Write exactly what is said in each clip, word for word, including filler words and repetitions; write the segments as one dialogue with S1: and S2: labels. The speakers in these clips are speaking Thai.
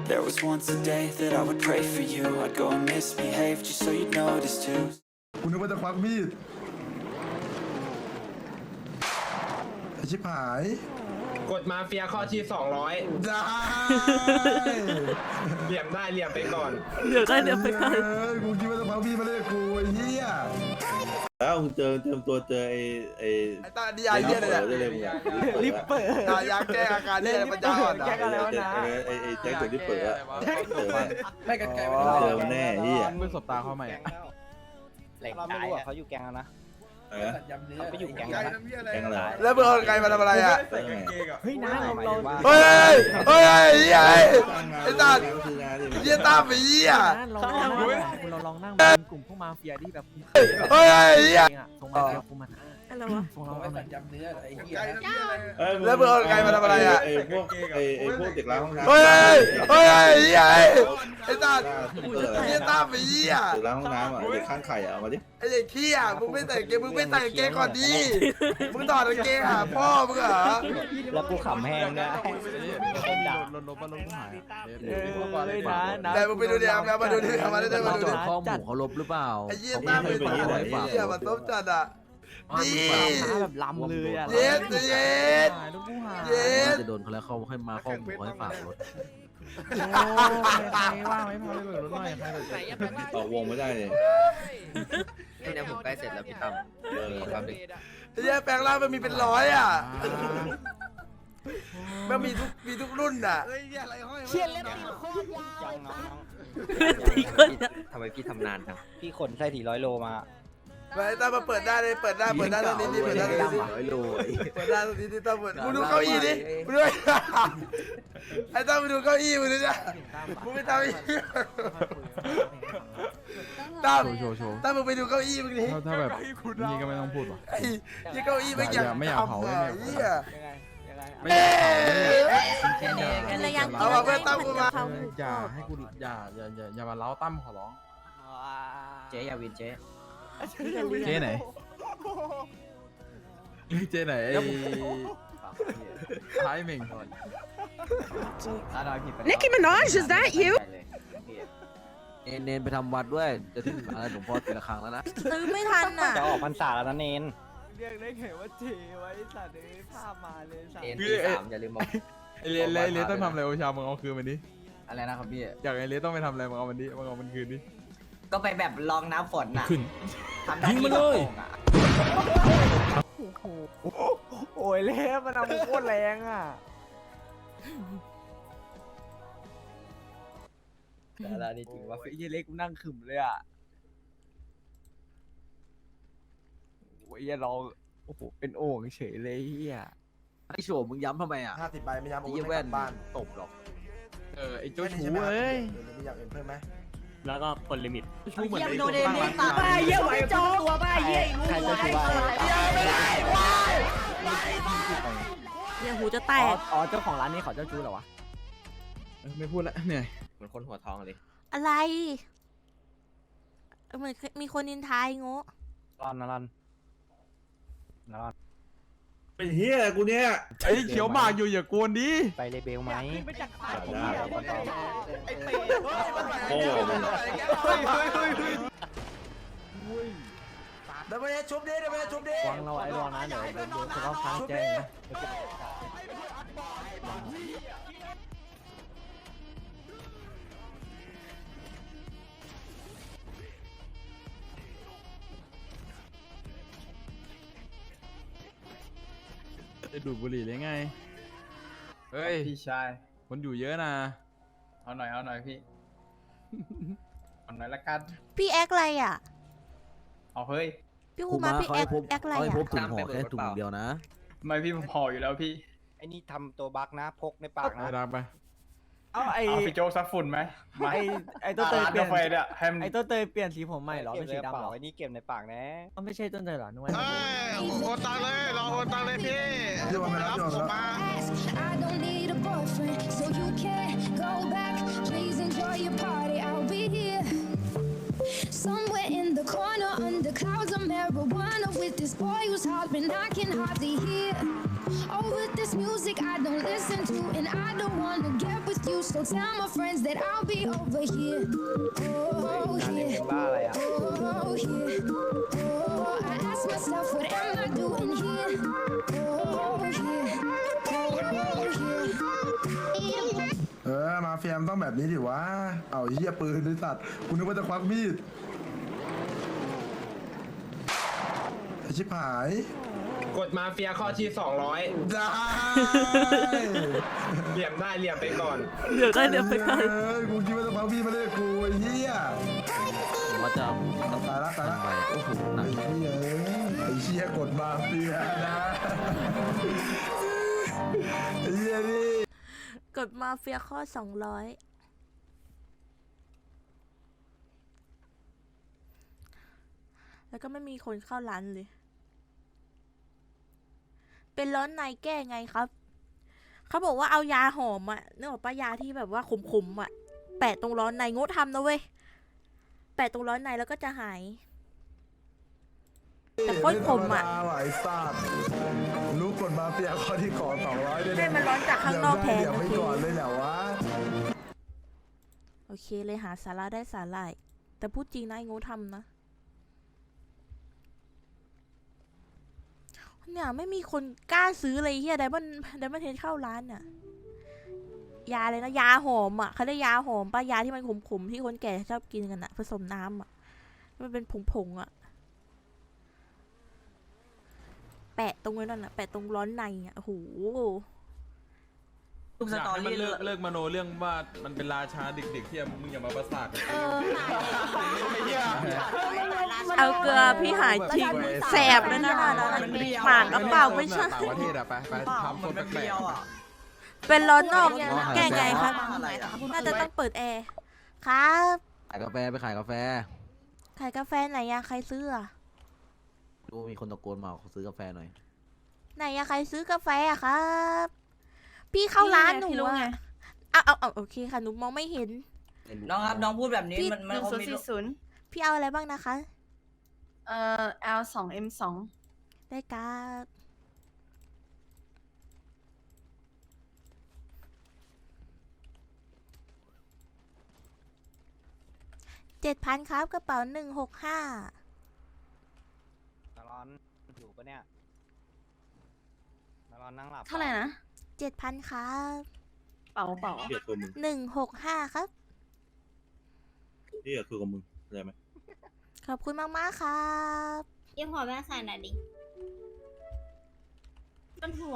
S1: There was once a day that I would pray for you. I'd go and misbehave just so you'd notice too.
S2: คุณนึกว่าจะควักมีดไอ้ชิบหาย
S3: กดมาเฟียข้อที่สองร้อย
S2: ได้
S3: เหลี่ยมได้เหลี่ยมไปก่อน
S4: เดี๋ยวได้เดี๋ยวไปก่อน
S2: กูคิดว่าจะควักมีดมาเล่นกูไอ้เหี้ย
S5: แล้วมึงเจอเจอตัวเจอไอ้ไอ้
S6: ไอ้ตาดีไอเหี้ยเลยเนี่ย
S5: ลิปเปอร์
S6: ตายาแก้อาการเนี่ยปัญญาอ่อนนะ
S5: แก้อะไรวะนะไอ้ไอ้แจ็คตัวลิปเปอร์อะเจอแน่ไม่กันไกลเจอแน่เหี้ย
S7: มือสบตาเขาใหม่
S8: แหล่งตายเขาอยู่แกงแล้วนะเขาไปอยู่แกง
S5: แกงอะไร
S6: แล้วมึงเอาไกลมาทำอะไรอ่ะ
S4: เฮ้ยน้าเราเรา
S6: เฮ้ยเฮ้ยเหี้ยไอ้ตาเหี้ยตาไปเหี้ย
S4: เราเราลองนั่งเป็นกลุ่มพวกมาเฟียที่แบบ
S6: เฮ้ยเหี้ย
S4: ส่งมาเฟียคุมมันอะไรวะส่งเรา
S6: เอายำเนื้อไอ้เหี้ยแล้วมึงเอาไกลมาทำอะไรอ่ะ
S5: ไอ้พวกไอ้ไอ้พวกเด็กล้างห้องน้ำ
S6: เฮ้ยเฮ้ยเหี้ยไอ้ตาเหี้ยตาไปเหี้ย
S5: เด็กล้างห้องน้ำอ่ะเด็กข้างไข่อ่ะมาดิ
S6: ไอ้เด็กขี้อ่ะมึงไม่ใส่เกงมึงไม่ใส่เกงก่อนดิมึงถอดเกงหาพ่อมึงเหรอ
S8: แล้วกูขำแห้งนะ
S7: ลดลดมาลงหาย
S6: แต่มึงไปดูดิเอามาดูดิเอามาได้มาดูดิ
S7: ข้อหมูเขาลบหรือเปล่า
S6: ไอ้เหี้ยตาไปเหี้ยมันต้มจัดอ่ะ
S4: ดีแบบล้ำเลยอ่ะ
S6: เย็ดเย็ดเย็ด
S7: จะโดนเขาแล้วเขาให้มาข้อหมูเขาให้ฝากรถ
S4: ว่างไม่พอเลยรถหน่อยใครเลย
S5: ออกวงไม่ได้เลย
S8: เดี๋ยวผมใกล้เสร็จแล้วพี่ตั้มเออครับดิ
S6: ไอ้เหี้ยแปลงร่างมันมีเป็นร้อยอ่ะมันมีทุกมีทุกรุ่นอ่ะ
S4: เชี่ยเล่นตีโคตรยาว
S8: ตีคนทำไมพี่ทำนานครับพี่ขนไส้ถี่ร้อยโลมา
S6: ไอ้ตั้มมาเปิดได้เลยเปิดได้เปิดได้ตรงนี้นี่เปิดได้ตรงนี้
S8: ร้อยโล
S6: เปิดได้ตรงนี้ที่ตั้มเปิดมึงดูเก้าอี้ดิมึงดูไอ้ตั้มมึงดูเก้าอี้มึงดูจ้ะมึงไม่ทำอีกตั้มตั้มมึงไปดูเก้าอี้มึงดิ
S7: ถ้าแบบนี่ก็ไม่ต้องพูดหรอ
S6: ไอ้ยี่เก้าอี้ไม่อยาก
S7: ไม่อยากเผาไม่อยาก
S6: เหี้ย
S7: ไม่อยาก
S6: เอามาเพื่อนตั้มกูมา
S7: อย่าให้กูอย่าอย่าอย่าอย่ามาเล้าตั้มขอร้อง
S8: เจ๊อย่าวินเจ๊
S7: เจ๊ไหนเจ๊ไหนไอ้ท้ายเม่ง
S4: Nicki Minaj is that you
S7: เนเนนไปทำวัดด้วยจะถึงอะไรหลวงพ่อตีละครั้งแล้วนะ
S4: ซื้อไม่ทันอ่ะ
S8: จะออกพรรษาแล้วนะเนน
S4: เรียกได้ไงว่าเจไว้สัตว์เลยภาพมาเลยสัตว์
S8: เนนที่สามอย่าลืมบอก
S7: ไอเลี้ยไอเลี้ยต้องทำอะไรโอชามึงเอาคืนมันดิ
S8: อะไรนะครับพี่
S7: อยากไอเลี้ยต้องไปทำอะไรมึงเอามันดิมึงเอามันคืนดิ
S8: ก็ไปแบบลองน้ำฝนน่ะ
S7: ยิงมันเลย
S4: โอ้ยเล่มันเอาโคตรแรงอ่ะ
S8: แต่ละนี่จริงว่า
S4: ไอ้เล็กกูนั่งขึมเลยอ่ะโอ้ยอย่าลองโอ้โหเป็นโอ่งเฉยเลยเฮีย
S7: ไอโฉมมึงย้ำทำไมอ่ะ
S6: ห้าสิบใบไม่ย้ำ
S7: ไอ้แว่นบ้านตบหรอกเออไอโจ้ชูเอ้ย
S6: มีอยากเห็นเพิ่มไหม
S4: แล้วก็คนลิมิต
S8: ชูเหมือนไอ้โน
S4: เดนนี่ตาบ้าเยี่ยไหวจอตัวบ้าเยี่ยรู้ไหวเนี่ยหูจะแตกอ๋อเจ้าของร้านนี้ขอเจ้าจูเหรอวะ
S7: ไม่พูดละเหนื่อย
S8: เหมือนคนหัวทองเลย
S4: อะไรเหมือนมีคนนินทายโง่
S8: รอนนะรอนรอน
S5: เป็นเฮียกูเนี่ย
S7: ไอ้เขียวหมากอยู่อย่ากวนดิ
S8: ไปเลเบลไหม
S5: โอ้โห
S6: เดี๋ยวไปชุบดิเดี๋ยวไปชุบดิ
S4: วางเราไอ้รอนะเดี๋ยวเดี๋ยวเขาค้างแจ้งนะ
S7: จะดูดบุหรี่เลยไงเฮ้ย
S3: พี่ชาย
S7: คนอยู่เยอะนะ
S3: เอาหน่อยเอาหน่อยพี่เอาหน่อยละกัน
S4: พี่แอคอะไรอ่ะ
S3: เอาเฮ้ย
S4: พี่คูมาพี่แอคแอคอะไรอ่ะ
S7: พบถุงห่อแค่ถุงเดียวนะ
S3: ไม่พี่ผมห่ออยู่แล้วพี่
S8: ไอ้นี่ทำตัวบักนะพกในปากนะ
S7: ดังไป
S3: เอาไอ้พี่โจ๊กซักฝุ่นไหม
S4: ไอ้ไอ้ต้นเตยเปลี่ยนไอ้ต้นเตยเปลี่ยนสีผมใหม่หรอ
S8: ไม่
S4: ใช่ดำหรอ
S8: ไอ้นี่เก็บในปากนะ
S4: ก็ไม่ใช่ต้นเตยหรอนุ่ย
S9: โอนตังเลยรอโอนตังเลยพี่รับผมมา
S10: Somewhere in the corner under clouds of marijuana with this boy who's hollering I can hardly hear. Oh, with this music I don't listen to and I don't wanna get with you, so tell my friends that I'll be over here. Oh, yeah. Oh, yeah. Oh, I ask myself, what am I doing here? Oh, yeah. Oh, yeah.
S2: เออมาเฟียมต้องแบบนี้ดิวะเอาเหี้ยปืนด้วยสัตว์กูนึกว่าจะควักมีดไอชิบหาย
S3: กดมาเฟียข้อที่สองร้อย
S2: ได้
S3: เหลี่ยมได้เหลี่ยมไปก่อน
S11: เดี๋ยวได้เดี๋ยวไปก่อน
S2: เอ้ยกูคิดว่าจะควักมีดมาเล่นกูไอ้เหี้ย
S7: ผมว่าจะ
S2: ตายละตายละ
S7: ไปโอ้โหหนั
S2: ไอ้
S7: ก
S2: เหี้ยไอ้เหี้ยกดมาเฟียนะไอ้เหี้ยนี่
S11: กดมาเฟียข้อสองร้อยแล้วก็ไม่มีคนเข้าร้านเลย เป็นร้อนในแก้ไงครับ เขาบอกว่าเอายาหอมอะนึกออกปะยาที่แบบว่าขมๆอะแปะตรงร้อนในงดทำนะเว้ยแปะตรงร้อนในแล้วก็จะหาย แต่โคตรขมอะ
S2: ไธรรดาว่ะไอ้สัตว์รู้กดมาเฟียข้อที่ขอสองร้อยด้วย
S11: ให้มันร้อนจากข้างนอกแทน
S2: เดี๋ยว
S11: โอ
S2: ไม่
S11: เค
S2: ก่อนเลยเหรอวะ
S11: โอเคเลยหาสาระได้สาหร่ายแต่พูดจริงนะไอ้งูทำนะเนี่ยไม่มีคนกล้าซื้อเลยเฮียไดมันไดมันเทนเข้าร้านน่ะยาเลยนะยาหอมอ่ะเขาเรียกยาหอมปะยาที่มันขมๆที่คนแก่ชอบกินกันอ่ะผสมน้ำอ่ะมันเป็นผงๆอ่ะแปะตรงนั้นน่ะแปะตรงร้อนในอ่ะโอ้โห
S3: อยากให้มันเลิกเลิกมโนเรื่องว่ามันเป็นราชาเด็กๆที่มึงอย่ามาประสาทกันไม่เหี้ย
S11: เอาเกลือพี่หายทิ้งแสบเลยนะนะหมากกระเป๋าไม่ใช่
S4: ต่างประเทศอะไปไปทำคนแปลก
S11: เป็นร้อนนอกแก้ไงครับน่าจะต้องเปิดแอร์ครับ
S7: ขายกาแฟไปขายกาแฟ
S11: ขายกาแฟไหนอะใครซื้ออะ
S7: ดูมีคนตะโกนมาขอซื้อกาแฟหน่อย
S11: ไหนอะใครซื้อกาแฟอะครับ พี่เข้าร้านหนูอะเอาเอาเอาโอเคค่ะหนูมองไม่เห็น
S8: น้องครับน้องพูดแบบนี้
S11: พี่
S8: มันมันคงมี
S11: พี่เอาอะไรบ้างนะคะ
S12: เอ่อ แอล สอง เอ็ม สอง
S11: ได้ครับเจ็ดพันครับกระเป๋าหนึ่งหกห้า
S8: ตลอนอยู่ปะเนี่ยตลอนนั่งหลับ
S12: เท่าไหร่นะ
S11: เจ็ดพันครับ
S12: เป๋าเป๋า
S5: เหี้ยตัวมึง
S11: หนึ่งหกห้าครับ
S5: เหี้ยคือกับมึงเข้าใจไหม
S11: ขอบคุณมากมากๆครับ
S12: ยังหัวแม่ใส่หน่อยดิมันหัว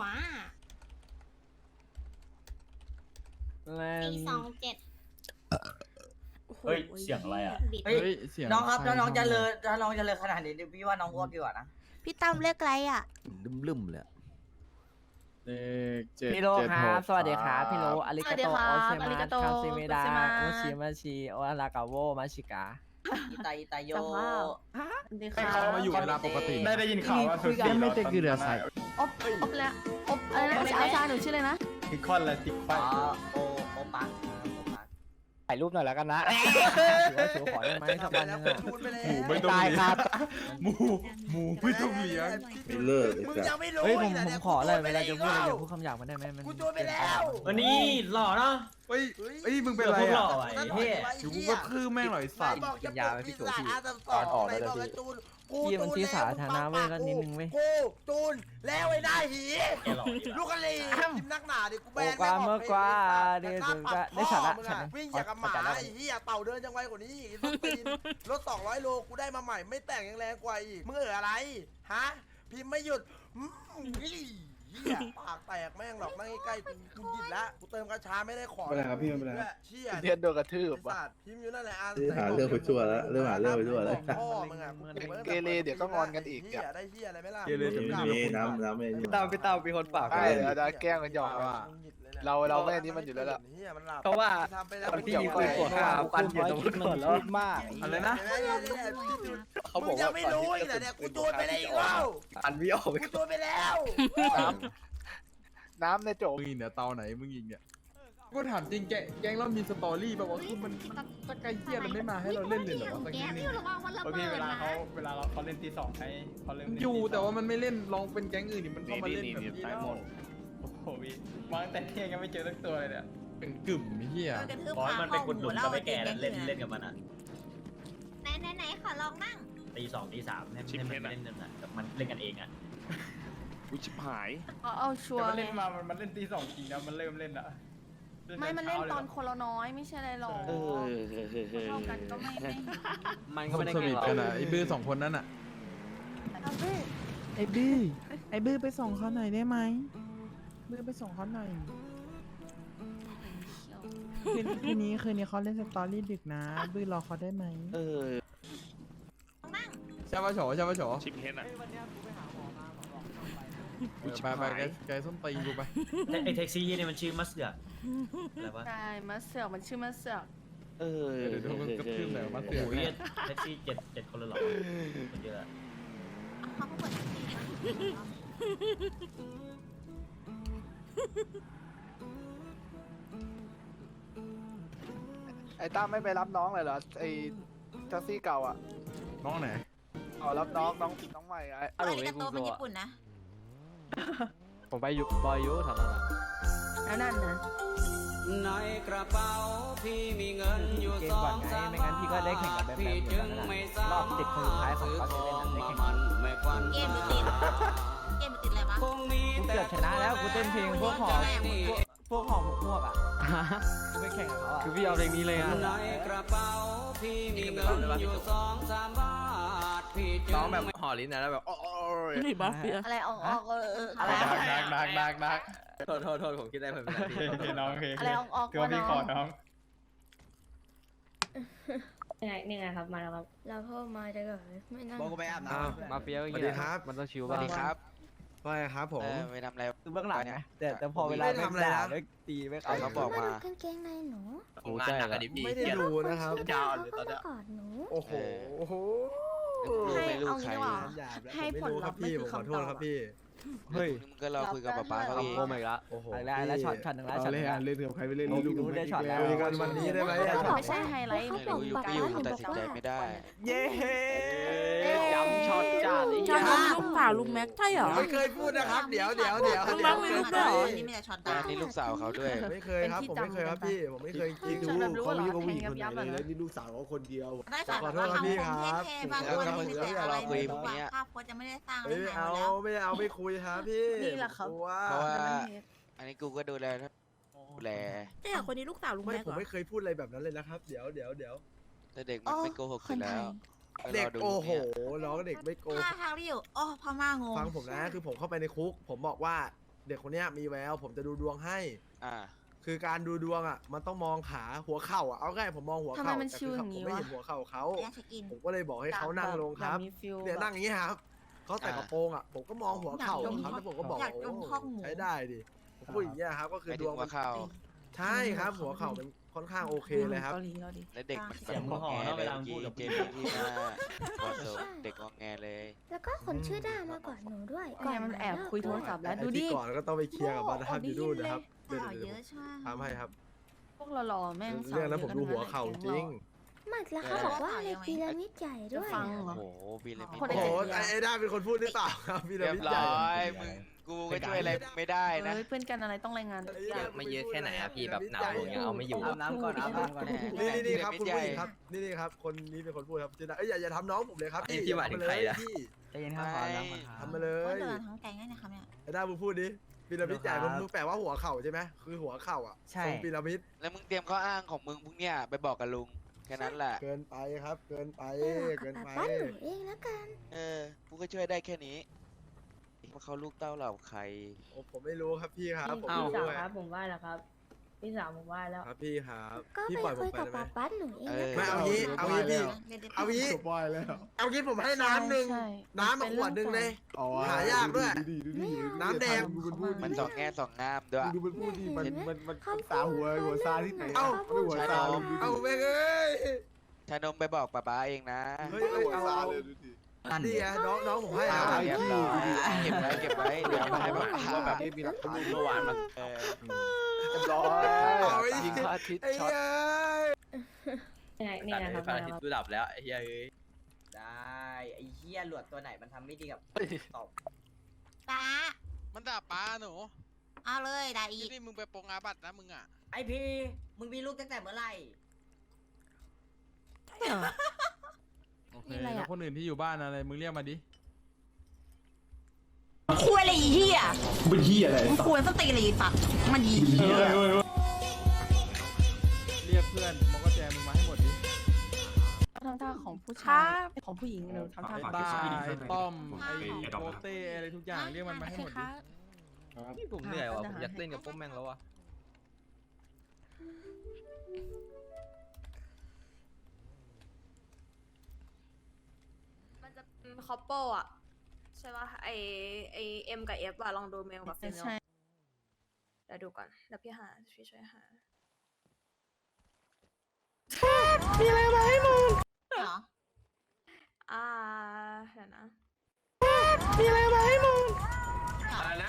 S4: แรง
S12: สองเจ็ด
S11: เฮ้ยเสียงอะไรอะ
S8: เฮ้ยน้องครับถ้าน้องจะเลอถ้าน้องจะเลอขนาดนี้พี่ว่าน้องอ้วกดีกว่านะ
S11: พี่ตั้มเรียกอะไรอะ
S7: ลืมๆเลยอะ
S4: เลขเจ็ด
S8: พี่โลครับสวัสดีครับพี่โล
S12: อาริกาโตโอเซมาคาซิเมดาโอชิมาชิ
S8: โอลากาโวมาชิกาอิตาอิตาโย
S12: ดี
S3: ให้
S12: ค่ะ
S3: เขามาอยู่เวลาปกติได้ได้ยินข่าวว่าสุด
S4: ไม่เต็มคือเรือใส่
S12: อบอบแล้วอบอะไรนะอาจารย์หนูชื่ออะไรนะ
S3: ติดคอนและติดค
S8: อ๋
S3: วั
S8: อน โอโอปักโอปักถ่ายรูปหน่อยแล้วกันนะถือว่าถือขอได้ไหมสักวันนึงอะ
S3: หมูไม่ต้องเลี้ยงหมูหมูไม่ต้องเลี้ยง
S5: ไม่เลิกไอ้
S8: มึง
S5: สัส
S8: ยังไม่รู้เฮ้ยผมผมขอเลยเวลาจะพูดอะไรอย่าพูดคำหยาบมันได้ไหมมันกูจูนไปแล้ว
S3: วันนี้หล่อเนาะเฮ้ยเฮ้ยมึงเป็นอะไรอ่ะ
S8: เฮ้ย
S3: อยู่กูก็คือแม่งหน่อยสัตว์
S8: กินยาไปพี่โจพี่ตอนออกแล้วพี่พี่มันที่สาธารณะเว้ยก็นิดนึงเว้ย
S6: กูจูนแล้วไอ้หน้าหีลูกกะลีทิมนักหนาดิกูแบน
S8: โอ้กว่าเมื่อกว่าเดี๋ยวจะได้สาระ
S6: วิ่งอย่างกับหมาไอ้เหี้ยเต่าเดินยังไวกว่านี้อีกรถตีนรถสองร้อยโลกูได้มาใหม่ไม่แต่งยังแรงกว่าอีกมึงเอออะไรฮะพิมพ์ไม่หยุดเหี้ยปากแตกแม่งหรอกนั่งใกล้ๆกูกูหยิบละกูเติมกระชาไม่ได้ขอ
S2: ไม่เป็นไรครับพี่ไม่เป็นไร
S6: เชี่ย
S4: เทียนโดนกระทืบ
S6: ไอ้สัตว์พิมพ์อยู่นั่นแหละอ่ะ
S5: หาเรื่องไปทั่วแล้วเรื่องหาเรื่องไปทั่วแล้ว
S6: พ่อมึงอ่ะ
S4: เกเรเดี๋ยวก็งอนกันอีก
S6: เหี้ยได้เหี้ยอะไรไหมล่ะ
S5: นี่น้ำน้ำไม่นี่
S8: ตามพี่ตามมีคนปาก
S4: ใช่เดี๋ยวจะแกล้งกันหยอกว่าเราเราแม่นี้มันอยู่แล้วล่ะ
S8: เพราะว่า
S4: คนที่มีปืนกด
S8: ข้าวกันอยู่ตรงนู้นแล้วมาก
S3: อะไรนะ
S4: เขาบอก
S6: ยั
S4: ว่าง
S6: ไม่รู้อีกแต่เนี่ยกูโดนไปแล้วอีกแล้ว
S8: อันวิออก
S6: กูโดนไปแล้ว
S4: น้ำน้ำในโจ
S3: มึงเนี่ยเตาไหนมึงยิงเนี่ยกูถามจริงแกแกงเรามีสตอรี่แบบว่าคือมันตะไคร้เหี้ยมันไม่มาให้เราเล่นเลยเหรอวะสักนิดนึง
S12: พี่เวลาเขา
S3: เวลาเราเขาเล่นตีสองให้เขาเล่นอยู่แต่ว่ามันไม่เล่นลองเป็นแก๊งอื่นดิมันเข้ามาเล่นแบบนี้แล้วโอ้โหพี่วางแต่เที่ยงยังไม่เจอสักตัวเลยเนี่ย
S4: ไป
S3: เป็นกึ่มไอ้เฮีย
S11: กระทืบ
S8: ร้อย
S11: ขา
S8: มัน
S11: พ่
S8: เป็
S11: อน ห
S8: คนห
S11: มู
S8: นุ่ม
S11: แล้ว
S8: ก็ไม่แก่
S11: อา
S8: เล่น
S11: จริงๆ
S8: เล่นกับมันอ่ะ
S11: ไหนไหนไหนขอลองนั่ง
S8: ตีสองตีสามให้ให้มันเล่นกันอ่ะกับมันเล่นกันเองอ่ะ
S5: กูชิบหาย
S11: เอาเอาชัว
S3: แต่
S11: ร์
S3: มัน
S11: เล
S3: เล่
S11: ย
S3: นมามันมันเล่นตีสองจริงนะมันเริ่มเล่นอะ
S11: ไม่มันเล่นตอนคนละน้อยไม่ใช่อะไรหรอก
S5: เออ
S11: เท่ากันก็ไม่ไม่
S7: มันก็ไม่ได้
S3: ส
S7: เก่
S3: นิ
S7: ง
S3: ท
S7: หรอก
S3: กันอะไอ้บื้อสองคนนั้นอะ
S12: ไอ้บื้อไอ้บื้อไปส่งเขาหน่อยได้ไหมบื้อไปส่งเขาหน่อยคืนคืนนี้คืนนี้เขาเล่นสตอรี่ดึกนะ บื้อรอเขาได้ไหม
S5: เออ
S3: ใช่ปะโฉใช่ปะโฉ
S9: ชิมเฮนอ่ะ
S3: ไปไปไกลไกลส้นตีนกูไป
S8: ไอแท็กซี่นี่มันชื่อมัสเดืออะไรวะ
S11: ใช่มาเสือกมันชื่อมาเสือก
S5: เออ
S3: เดี๋ยวเดี๋ยวมันกระทืบหน่อยมาเสื
S8: โอ้
S3: อก
S8: โหแท็กซี่เจ็ดเจ็ดคนเลยหรอคนเยอะ
S11: เขาก็เปิดแท็กซี่นะ
S12: ไอ้ตั้มไม่ไปรับน้องเลยเหรอไอ้แท็กซี่เก่าอ่ะ
S3: น้องไหน
S12: อ๋อรับน้องน้องน้องใหม่ไอ้
S11: อันนี้กระโตเป็นญี่ปุ่นนะ
S7: ผมไปยุบอยยุแถวนั้นอะ
S11: แล้วนั่นนะ
S1: ในกระเป๋าพี่มีเงินอยู่
S12: เกม
S1: สอ
S12: ก่อน
S1: ง
S12: ไง
S1: สาม
S12: ไม่งั้นพี่ก็ได้แข่งกับแบมแบม
S1: พี่
S12: เหมื
S1: จึ
S12: อน
S1: ง
S12: กัน
S1: ไม่
S12: นะ
S1: สาร
S12: อบเจ็ดคนสุดท้ายของเขาจะเล่นไม่แข่ง
S1: มันไม่ควัน
S11: เกมมันติดเกมมันติดอะไรวะ
S1: คงมี
S12: กูเกือบชนะแล้วกูเต้นเพลงพวกหอพวกพวกหอหมกพวกอ่ะกูไปแข่งกับเขาอ่ะ
S7: คือพี่เอาเพลงนี้เลยอ่ะ
S1: ในกระเป๋าพี่มีเงินอยู่สองสามบาทพี่จึง
S4: ร้องแบบห่อลิ้นนะแล้วแบบโอ้ย
S11: นี่บัฟเฟียอะไรออกออกเออเอออะไร
S3: ดักดักดักดักดัก
S4: โทษโทษโทษผมคิดได้ผมเป็นพี่
S3: โอเคน้องโอเค
S11: อะไรออกออก
S3: คือว่าพี่ขอน้อง
S10: นี่ไงนี่ไงครับมาแล้วครับเราเข้ามาจะแบบไม่นั่ง
S4: บอกกูไปอาบน้
S7: อ้าวมาเฟียอย่าง
S4: สวั
S7: เงี้
S4: สดีครับ
S7: มันต้องชิว
S4: ำส
S7: บ้า
S4: วั
S7: ง
S4: สดีครับว่าไงครับผม
S5: ไปทำอะไร
S12: คือเบื้องหลังไงแต่แต่พอเวลา
S4: ไม่ทำอะไรนะ
S12: ไม่ตีไม่
S5: เอาเขาบอกมา
S10: กางเกงในหนู
S7: โอ้ใช่แล้ว
S4: ไม่ได้ดูนะครับ
S10: ยาวเลยตอนนี้กอดหนู
S4: โอ้โหโอ้โห
S11: ให้
S5: ไม่รู้
S11: เอา
S5: ใคร
S11: งี้ดีกว่า
S4: หยาบแล้ว
S11: ให้
S4: ผม
S11: ผ
S4: ไม่
S11: ล
S4: รู้
S11: ลั
S4: ครั
S11: พ
S4: บ
S11: ธ์ไม่
S4: พี่
S11: คื
S4: ผ
S11: อ
S4: มขอ
S11: คำ
S4: โท
S11: ตอ
S4: ษ
S11: บ
S4: ครับพี่
S7: เฮ้ย
S5: มึงก็รอคุยกับป๊าป๊าเขาเอง
S7: โกมอีกละ
S4: โอ้โห
S12: อะไรแล้วแล้วช็อตช็อตหนึ่งแล้ว
S4: เอา
S12: ช็อตห
S4: เล่
S12: นึ่
S4: น
S12: ง
S4: เล่นกับใครไปเล่น
S12: โอ้
S4: ลูก
S12: รู้ได้ช็อตแล้ว
S4: คุยกันวันนี้ได้ไหมอะช็อต
S11: ไม่ใช่ไฮไลท์
S10: เขา
S11: มัน
S10: บ
S11: คือ
S10: อก
S11: อยู่
S10: ป๊า
S11: การ
S10: ป๊าหนู
S5: ตัด
S10: บอก
S5: สินใจ
S10: ว่า
S5: ไม่ได้
S12: เย้
S7: จำช็อตจัดไอ้
S11: จะ
S7: เหี้ย
S11: ทำลูกสาวลุงแม็กใช่เหรอ
S4: ไม่เคยพูดนะครับ เดี๋ยวเดี๋ยวเดี๋ยว
S11: ลุง
S4: เดี๋
S11: แม็
S4: ยว
S11: กมีลูกด้วยเหรอ
S5: อันนี้นี่ลูกสาวเขาด้วย
S4: ไม่เคยครับผมไม่เคยครับพี่ผมไม่เคยจริง
S11: ฉันแบบรู้ว่าเหรอ
S4: เขา
S11: แท
S4: มี
S11: งยับยับ
S4: เล
S11: อะ
S4: ย
S11: นะ
S4: นี่ลูกสาวเขาคนเดียว
S11: ได้สาร
S4: ขอโท
S11: ว่า
S4: ษครับพี่
S11: ทำ
S4: ค
S11: ค
S4: รั
S11: น
S4: บ
S11: เท่ๆบางคนไม่ได้แต่อะไรไม่รู้ว่าภาพโพสจะไม่ได้สร้าง
S4: เอ้ย
S11: ไม่
S4: เอา
S11: แล้ว
S4: ไม่เอาไม่คุยครับพี่
S11: นี่แหละครับ
S4: กลัว
S5: เพราะว่า อันนี้กูก็ดูแลดูแล
S11: เจ๊คนนี้ลูกสาวลุง
S4: ไม่
S11: แม็ก
S4: ผม
S11: เหรอ
S4: ไม่เคยพูดอะไรแบบนั้นเลยนะครับ เดี๋ยวเดี๋ยวเดี๋ยว
S5: แต่เด็กมันไม่โกหกอยู่แล้วไป
S4: เด็
S5: ร
S4: ก
S5: ดู
S4: โอ้โห
S5: เนี่ย
S4: น้องเด็กไม่โกห
S11: ท่าก ทางที่อยู่อ๋อพม่างง
S4: ฟังผมนะคือผมเข้าไปในคุก ผมบอกว่าเด็กคนเนี้ยมีแววผมจะดูดวงให้
S5: อ่า
S4: คือการดูดวงอ่ะมันต้องมองขาหัวเข่าอ่ะเอาง่ายผมมองหัว
S11: ทำไม
S4: เข่า
S11: มัน
S4: แต่
S11: ชิว
S4: คือ
S11: อย่าง
S4: ผม
S11: นี้
S4: ไม่
S11: วะ
S4: เห็นหัวเข่าเขา
S11: แยกเช็คอิน
S4: ผมก็เลยบอกให้เขานั่งลงครับ
S11: มีฟิล
S4: เนี่ยนั่งอย่างนี้ครับเขาใส่กระโปรงอ่ะผมก็มองหัวเข่า
S11: อยาก
S4: ครับ
S11: ดม
S4: แล้วผมก็บอก
S11: อยากดม
S4: โอ้
S11: ข้องหมู
S4: ใช้ได้ดิผมพูดอย่างเงี้ยครับก็คือ
S5: ไป
S4: ด
S5: ถึ
S4: ว
S5: ง
S4: ง
S5: หั
S4: มั
S5: วน เข่า
S4: ใช่ครับหัวเข่ามันค่อนข้างโอเคเลยครับ
S11: เกาหลีเกาหลี
S5: และเด็กมัน
S8: เสียงมึงห่อ
S5: แง
S8: เนาะ
S5: เล
S8: เวย ลา
S5: เมื่อ
S8: มึง
S5: กี้
S8: พูดกับ
S5: เจมส์ที่หน้าวอร์โซนเด็กงองแงเลย
S10: แล้วก็คนชื่อด้ามากอดหนูด้วย
S11: เนี่ยมันแอบคุยโทรศัพท์แล้ว
S4: ไอ้
S11: ดูดิ
S4: ที่ก่อนก็ต้องไปเคลียร์กับมันนะครับอยู่นู่นนะครับเดี๋ยว
S11: ข่าว
S4: เดี๋ยว
S11: เยอะใช่ไหม
S4: ทำให้ครับ
S11: พวกหล่อๆแม่ง
S4: เรื่องนั้นผมดูหัวเข่าจริง
S10: มากแล้วเขาบอกว่าในพีระมิดใหญ่
S11: จะ
S10: ด้วย
S11: ฟัง
S5: โอ้
S11: เหรอ
S5: โหบีเลยมิ
S11: คน
S4: โอ้
S11: ได้
S4: โห
S11: เจ็ดเดือน
S4: ไอ้ไอ้ด้าเป็นคนพูดหรือเปล่าครับพี่
S5: เรียบ
S4: วิท
S5: ร้
S4: ย์ใหญ่
S5: อยมึงกูก็ช่วยอะไรไม่ได้นะ
S11: เฮ้ยเพื่อนกันอะไรต้องรายงานตัวอย่าง
S4: ไม่เยอะแค่ไหนอะพี่แบบหนาวอย่างเงี้ย
S12: เอาไม่อยู่อาบน้ำก่อนอาบน้ำก่อน
S4: นี่นี่นี่ครับคุณผู้หญิงครับนี่นี่ครับคนนี้เป็นคนพูดครับจินดาเอ้ยอย่าอย่าทำน้องผมเลยครับพี่พี่หมายถึงใครนะพี่
S12: ใจเย็นครับขออาบน้ำก่อนครับ
S4: ทำมาเล
S11: ว่าย เดือทั้งแก๊งได้นะครับเนี่ย
S4: ไอ้ด้ามึงพูดดิพีระมิดใหญ่มึงมึงแปลว่าหัวเข่าใช่ไหมคือหัวเข่าอ่ะ
S12: ใช่
S4: ทรงพีระมิด
S5: แล้วมึงเตรียมข้ออ้างของมึงพวกเนี้ยไปบอกกับลุงแค่นั้นแหละ
S4: เกินไปครับ เกินไป
S10: เออ
S4: เกิน
S10: กับ
S4: ไป
S10: ป๊าหนูเองแล้วกัน
S5: เออกูก็ช่วยได้แค่นี้ว่าเขาลูกเต้าเหล่าใคร
S4: โอ้ผมไม่รู้ครับพี่ครับผม
S7: เอ้า
S4: ไม่รู้
S10: ครับผมว่าแล้วครับพี่สาวผมว่าแล้ว
S4: ครับพี่ครับ
S10: ก็
S4: พี่
S10: ไป
S4: ปล่อยผ
S10: คุ
S4: ม
S10: ย
S4: ไป
S10: กับ
S4: ได้ไหม
S10: ป๊าป๊าหนูเอง
S5: เอ
S10: แล้ว
S5: อ
S10: กัน
S4: ไม่เอางี้เอางี้พี่
S11: เด็ดๆ
S4: เอางี้
S2: จบบ่อยแล้ว
S4: เอางี้ผมให้น้ำหนึ่ง
S11: ใช่
S4: น้ำมาขวดหนึ่งเลย
S2: อ๋อ
S4: หายากด้วย
S2: ดูดิดูดิ
S4: น้ำแดง
S2: ดูมันพูดดิ
S5: มันสองแง่สองงามด้วย
S2: ดูมันพูดดิมันมันมัน
S10: เขา
S2: ตาหัวหัวซาที่ไหน
S4: เอ้า
S2: ไม่หัวซาเลยดูดิ
S4: เอาแม่งเอ้ย
S5: ชานมไปบอกป๊าป๊าเองนะ
S4: เฮ้ยเอ้ย
S2: หัว
S4: เอา
S2: ซา
S4: เอา
S2: เลยดูดิ
S4: นี่ไงน้องน้องผมให้
S5: อ่า
S4: เอา
S5: เรียบร้อยเก็บไว้เก็บไว้เดี๋ยวมาให้ป๊าป๊า
S2: ว่าแบบนี้มีหลักฐานเมื่อวานมัน
S5: เออ
S2: เรียบร้อย
S4: เอาไอ้
S7: ยิงพระอาทิตย์
S4: ไอ้
S7: ช็อต
S4: เอ้ย
S10: นี่นะครับ
S4: พระอาทิตย์ดูดับแล้วไอ้เฮ้ย
S12: ได้ไอ้เหี้ยหลวดตัวไหนมันทำไม่ดีกับตอบ
S11: ป้า
S9: มันด่าป้าหนู
S13: เอาเลยได้อีก
S9: พี่มึงไปปงอาบัตนะมึงอ่ะ
S13: ไอพีมึงมีลูกตั้งแต่เมื่อไหร่
S11: ใช่เหรอ
S3: โอเคแล้วคนอื่นที่อยู่บ้านอะไรมึงเรียกมาดิ
S13: คุยอะไรอีเหี้ย
S2: เป็นเฮียอะไร
S13: มึงคุยสติเลยสัตว์มันอีเหี้ย
S3: เรียกเพื่อนมองก็แจมึงมาให้หมดดิ
S12: ทำท่าของผู้
S11: ครั
S12: ชาย
S11: บ
S12: ของผู้หญิงเร็วทำท่า
S3: ไอ้ต้าไอ้ต้อมไอ้โปเต้อะไรทุกอย่างเรียกมันมาให้หมดดิ
S12: พี่ผมเหนื่อยว่ะผมอยากเล่นกับพวกแม่งแล้วอ่ะ
S11: มันจะเป็นคอปเปิลอะใช่ป่ะไอไอเอ็มกับเอฟอะลองดูเมลกับเฟม
S12: ใช่
S11: เดี๋ยวดูก่อนเดี๋ยวพี่หาพี่ช่วยหา
S12: มีอะไรมาให้มึง
S13: เหรอ
S11: อ่าเดี๋ยวนะ
S12: มีอะไรมาให้มึง
S13: อะไรนะ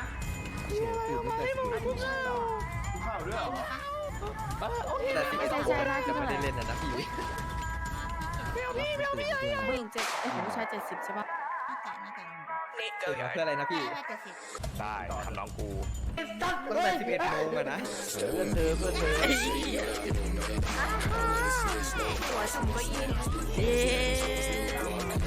S12: โอเคไม่ใจใจได้ที่เท่าไหร่
S7: นะพี่
S12: ผู้หญิงเจ็ดไอ้ของผู้ชายเจ็ดสิบใช่ปะ
S13: เกิดเพื่ออะไรนะพี่
S9: ได้ทำน้องกู
S7: ตั้งแต่สิบเอ็ดโมงอะนะเพื่อนเธอเพื่อนเธอ
S11: หัวสมก็ยินเอ๊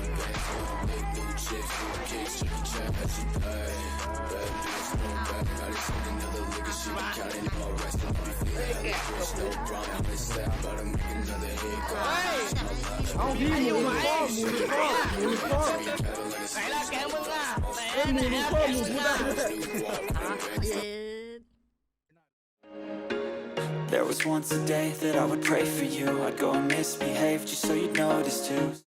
S2: เอาพี่หมูหมูข้อหมูข้อหมูข้อ
S13: ไหนล่ะแกมึงอ่ะไหน
S2: เอ้ยหมูข้อหมูพูดได้ด้วย
S1: There was once a day that I would pray for you. I'd go and misbehave just so you'd notice too.